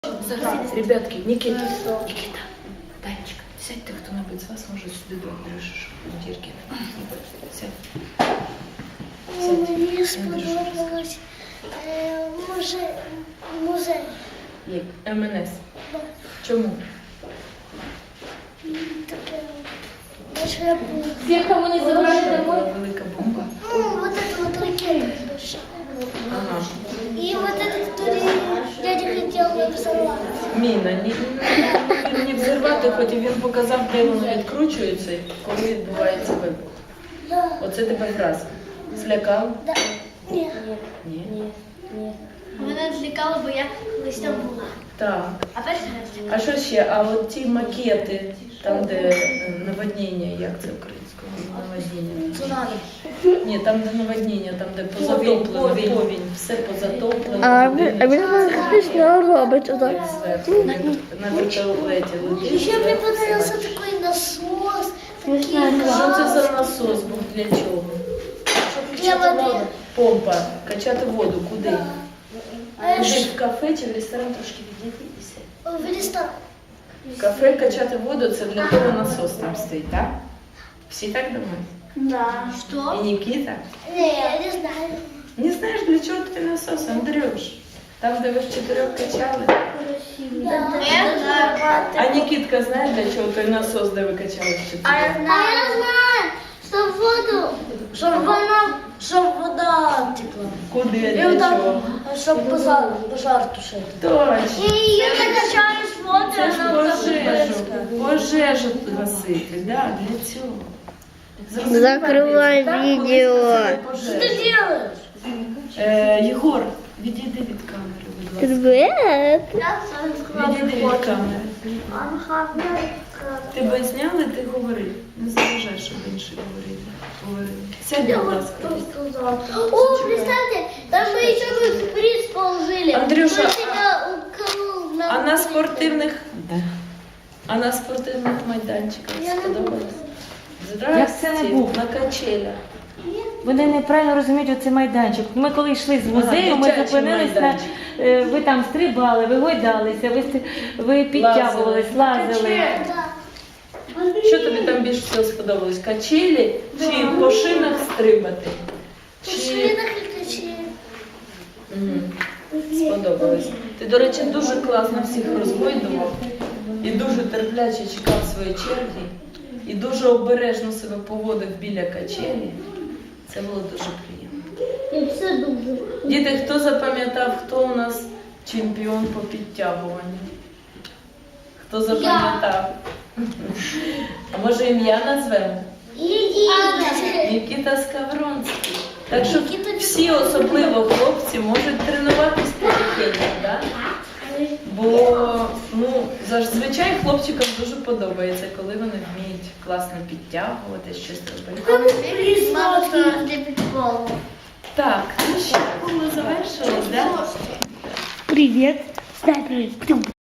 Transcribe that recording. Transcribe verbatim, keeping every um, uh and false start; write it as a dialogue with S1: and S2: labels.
S1: Ребятки, Никита, Никита, Танечка, сядьте, кто-нибудь из вас может сюда Андрюша, Диркин. Сядь.
S2: Мені сподобалось е, музей. музей.
S1: Як? Ем Ен Ес. Чому?
S2: Таке большая бомба.
S3: Всех, кому не забрали домой.
S1: Велика бомба.
S2: Ну, вот это вот ракета большая.
S1: Ага.
S2: И вот это, который дядя хотел взорвать.
S1: Міна, ні, ні, не взірвати, хоч і він показав, де воно відкручується, коли відбувається вибух.
S2: Да.
S1: Оце тебе враз. Злякав?
S2: Да. Ні.
S1: Ні.
S3: Ні.
S2: Мене злякало, бо я колись там була.
S1: Так.
S2: А перший раз
S1: А що ще? А от ті макети, там, де е, наводніння, як це українською? Наводніння.
S2: цунамі.
S1: Ні, там, де наводніння, там, де позатоплено, повінь, все позатоплено.
S4: А
S1: будинок
S4: він смішно робить отак.
S1: зверху, на, на вертолеті летить.
S2: Ще мені
S1: зверху
S2: подобався
S1: все
S2: такий насос.
S4: Смішно.
S1: Що це за насос був, для чого?
S2: Для води.
S1: Помпа, качати воду, куди?
S2: А
S1: Куди,
S2: ж
S1: в кафе чи в ресторан трошки відійдітися?
S2: в ресторан.
S1: В кафе качати воду, це для того насос там стоїть, так? Всі так думають?
S2: Да. Що?
S1: І Нікіта?
S2: Ні, я не знаю.
S1: Не знаєш, для чого той насос, Андрюш? Там, де ви в чотирьох качали?
S2: Да. Я знаю.
S1: А Нікітка знає, для чого той насос, де ви качали в чотирьох?
S2: А я знаю, щоб воду, щоб вона, щоб вода текла.
S1: Куди,
S2: І
S1: для
S2: там,
S1: чого?
S2: щоб пожар, пожар тушити.
S1: Точно.
S2: І її накачаєш воду,
S1: Це ж
S2: вона
S1: пожежу. Пожежу гасити, да, для цього.
S4: Закривай
S1: Так, коли
S4: відео.
S1: згасили
S2: Що
S1: пожежу.
S2: ти робиш?
S1: Е, Єгор, відійди від камери, будь ласка.
S4: Привет.
S2: Я сам
S1: Відійди від камери.
S2: Ага,
S1: Тебе зняли, ти говори. Не заважай, щоб інші говорили. Говорили. Сядь, будь ласка.
S2: О, представьте, там мы еще бы приз положили.
S1: Андрюша,
S2: Мы тебя уколол на-
S1: А на спортивних... А на спортивних майданчиках
S2: Я не
S1: сподобалось?
S5: Як це не був?
S1: На качелях.
S5: Вони неправильно розуміють оцей майданчик. Ми коли йшли з музею, ми
S1: дитячий
S5: зупинились на
S1: майданчик.
S5: е, ви там стрибали, ви гойдалися, ви, ст- ви підтягувались, лазили.
S2: Да.
S1: Що тобі там більше всього сподобалось? Качелі чи по шинах стрибати? Чи...
S2: Пошли на хлікачі.
S1: Мгм. Сподобалось. Ти, до речі, дуже класно всіх розгойдував і дуже терпляче чекав своєї черги, і дуже обережно себе поводив біля качелі. Це було дуже приємно.
S2: І все дуже.
S1: Діти, хто запам'ятав, хто у нас чемпіон по підтягуванню? Хто запам'ятав? А може ім'я назвемо?
S2: Ідіть.
S1: Нікіта Скавронський. Так що всі, особливо хлопці, можуть тренуватись потихеньку, так? Бо ну, зазвичай хлопчикам дуже подобається, коли вони вміють класно підтягувати, щось робити.
S2: Признавати для підполу.
S1: Так, ну що, ми завершили, так?
S4: Привет. Дай привет.